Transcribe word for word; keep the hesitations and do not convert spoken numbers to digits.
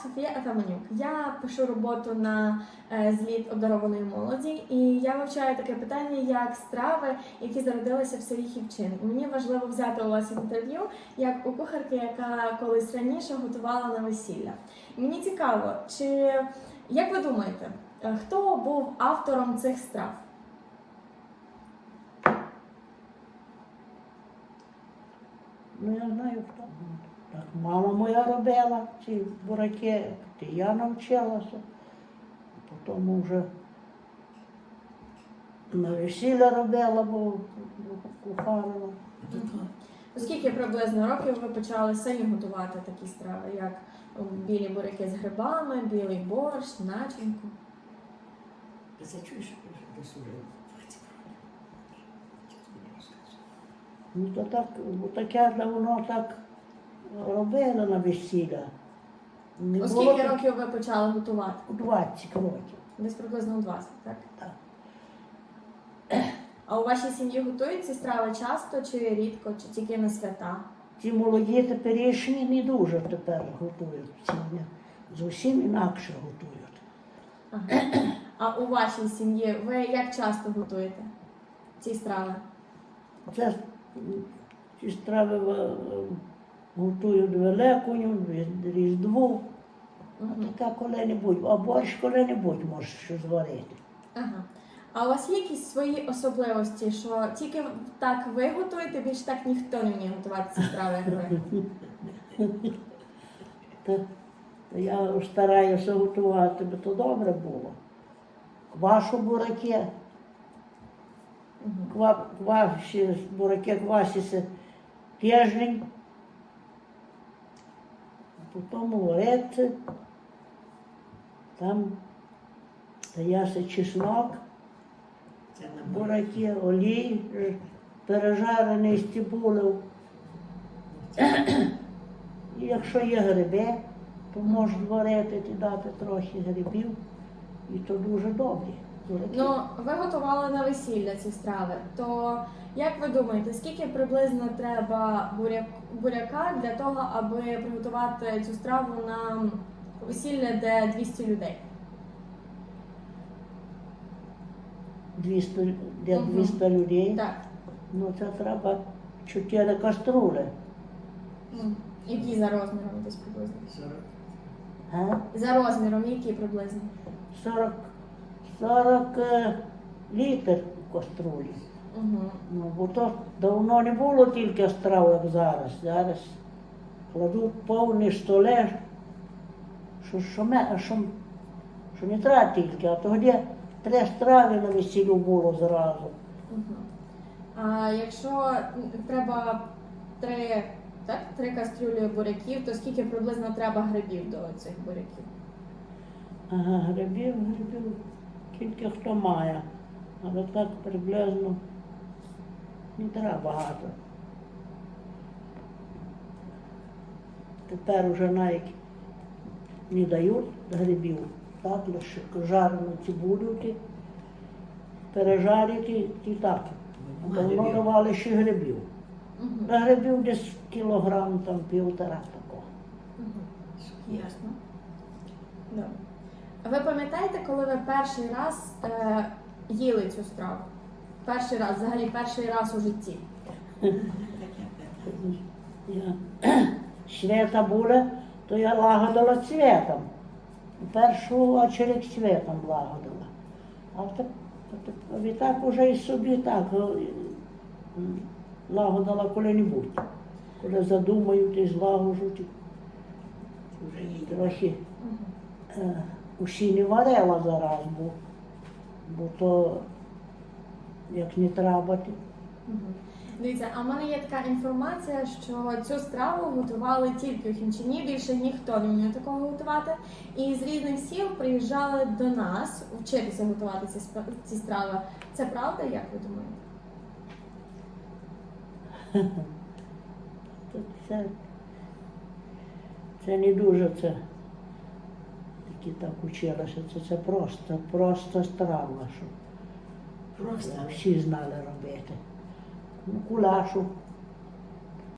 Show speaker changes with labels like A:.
A: Софія Атаманюк. Я пишу роботу на е, зліт обдарованої молоді, і я вивчаю таке питання, як страви, які зародилися в селі Хівчин. І мені важливо взяти у вас інтерв'ю, як у кухарки, яка колись раніше готувала на весілля. І мені цікаво, чи, як ви думаєте, е, хто був автором цих страв?
B: Ну, я знаю, хто. Так, мама моя робила ці бураки, і я навчилася. Потім вже на весілля робила, бо кухарила.
A: Скільки приблизно років ви почали самі готувати такі страви, як білі буряки з грибами, білий борщ, начинку?
C: Зачуєш, до суду.
B: Ну, то так, бо таке давно так робили на весілля. Не
A: У
B: було
A: скільки
B: так-
A: років ви почали готувати?
B: У двадцять років.
A: Десь приблизно у двадцять, так?
B: Так.
A: А у вашій сім'ї готують ці страви часто чи рідко, чи тільки на свята?
B: Ці молоді теперішні не дуже тепер готують. Ці вони зовсім інакше готують.
A: Ага. А у вашій сім'ї ви як часто готуєте ці страви?
B: Це м, ці страви е, готують Великою, Різдву, а
A: Угу.
B: таке коли-небудь, а борщ коли-небудь можеш що зварити.
A: Ага. А у вас є якісь свої особливості, що тільки так ви готуєте, більш так ніхто не вміє готувати ці страви, як ви?
B: Та, та я стараюся готувати, бо то добре було. Квашу бураки,
A: Угу.
B: ква, кваші, бураки квасяться тиждень, а потім вариться, там дається чеснок,
C: Це на
B: бураки, олій, ж- пережарений з цибулею. І якщо є гриби, то можна варити і дати трохи грибів, і то дуже добре. Бураки.
A: Ну, ви готували на весілля ці страви, то як ви думаєте, скільки приблизно треба буряк, буряка для того, аби приготувати цю страву на весілля, де двісті людей?
B: двісті, де
A: Мгм.
B: двісті людей,
A: Так.
B: ну це треба чотири каструли.
A: Ну, які за розміром десь приблизно?
C: сорок.
B: Га?
A: За розміром, які приблизно?
B: сорок, сорок е, літр у каструлі.
A: Угу.
B: Ну, бо то давно не було тільки страв, як зараз. Зараз кладуть повні столи, що, що, ме- що, що не треба тільки, а тоді три страви на весіллю було зразу.
A: Угу. А якщо треба три, так, три кастрюлі буряків, то скільки приблизно треба грибів до цих буряків?
B: Ага, грибів, грибів, тільки хто має. Але так приблизно не треба багато. Тепер вже навіть не дають грибів, так, лише жарену цибулю, ті, пережарити і так. А давно давали ще грибів.
A: Угу.
B: На грибів десь кілограм, там півтора такого.
A: Угу. Ясно. Добре. А ви пам'ятаєте, коли ви перший раз е, їли цю страву? Перший раз, взагалі перший раз у житті.
B: Я свята була, то я лагодила цвітом. В першу очередь цвітом лагодила. А так, відтак уже і собі так е, м, лагодила коли-небудь. Коли задумають і злагоджуть,
C: Вже їй.
B: трохи
A: Угу.
B: е, усі не варила зараз, бо, бо то як не треба. ти-
A: Угу. Дивіться, а в мене є така інформація, що цю страву готували тільки у Хімчині, більше ніхто не вміє такого готувати. І з різних сіл приїжджали до нас вчитися готувати ці, спа- ці страви. Це правда, як ви думаєте?
B: То Це, це не дуже це, які так училися, це, це просто, просто страва, що
C: Просто.
B: всі знали робити. Ну, кулашу